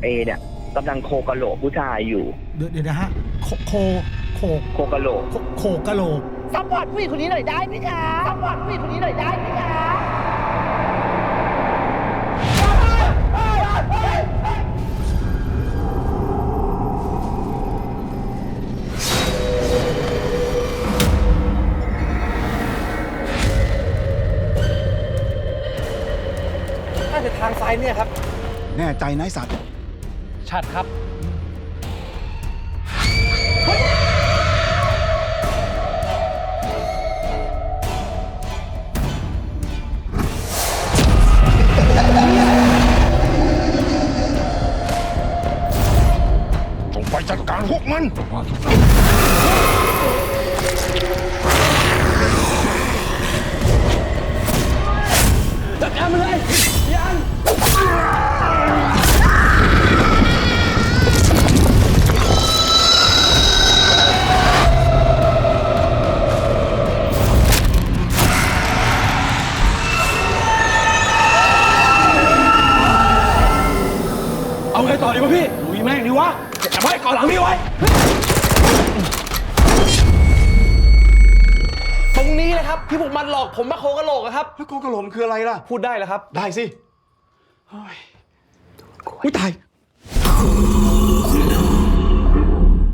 เอเนี่ยกำลังโคกะโหลกผู้ชายอยู่เดี๋ยวนะฮะโคกะโหลกโคกะโหลกซัพพอร์ตผู้หญิงคนนี้หน่อยได้ไหมคะซัพพอร์ตผู้หญิงคนนี้หน่อยได้ไหมคะน่าจะทางซ้ายเนี่ยครับแน่ใจนายสัตว์ชัดครับจงไปจัดการพวกมันจัดการมันเลยยัง เอาไงต่อดีวะพี่ลุยแม่งดีวะจับไว้ก่อนหลังพี่ไว้ ตรงนี้เลยครับที่พวกมันหลอกผมมาโคกะโหลกอะครับแล้วโคกะโหลกคืออะไรล่ะพูดได้แล้วครับได้สิอุ้ยตาย